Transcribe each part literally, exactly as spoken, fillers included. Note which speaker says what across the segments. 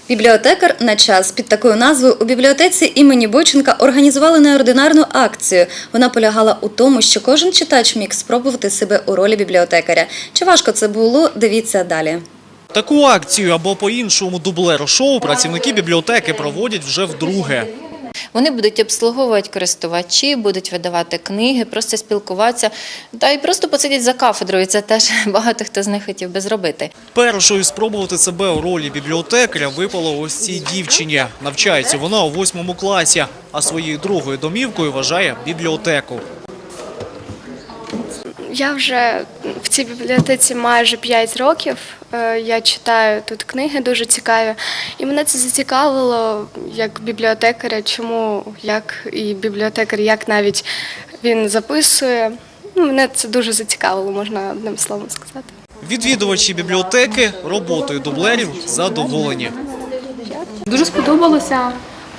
Speaker 1: Бібліотекар на час. Під такою назвою у бібліотеці імені Бойченка організували неординарну акцію. Вона полягала у тому, що кожен читач міг спробувати себе у ролі бібліотекаря. Чи важко це було, дивіться далі.
Speaker 2: Таку акцію або по-іншому дублер-шоу працівники бібліотеки проводять вже вдруге.
Speaker 3: Вони будуть обслуговувати користувачі, будуть видавати книги, просто спілкуватися та й просто посидять за кафедрою. Це теж багато хто з них хотів би зробити.
Speaker 2: Першою спробувати себе у ролі бібліотекаря випало ось цій дівчині. Навчається вона у восьмому класі, а своєю другою домівкою вважає бібліотеку.
Speaker 4: Я вже в цій бібліотеці майже п'ять років. Я читаю тут книги дуже цікаві. І мене це зацікавило як бібліотекаря, чому, як і бібліотекар, як навіть він записує. Ну, мене це дуже зацікавило, можна одним словом сказати.
Speaker 2: Відвідувачі бібліотеки роботою дублерів задоволені.
Speaker 5: Дуже сподобалося.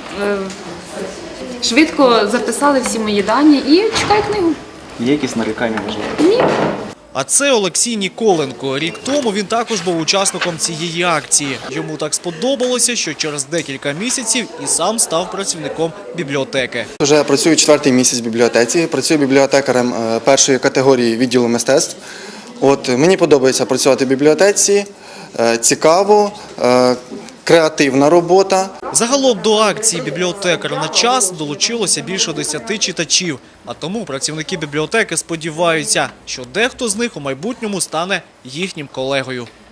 Speaker 5: Швидко записали всі мої дані і чекаю книгу.
Speaker 6: Є якісь нарікання, можливо?
Speaker 5: Ні.
Speaker 2: А це Олексій Ніколенко. Рік тому він також був учасником цієї акції. Йому так сподобалося, що через декілька місяців і сам став працівником бібліотеки.
Speaker 7: Вже працюю четвертий місяць в бібліотеці, працюю бібліотекарем першої категорії відділу мистецтв. От, мені подобається працювати в бібліотеці, цікаво, креативна робота.
Speaker 2: Загалом до акції «Бібліотекар на час» долучилося більше десяти читачів. А тому працівники бібліотеки сподіваються, що дехто з них у майбутньому стане їхнім колегою.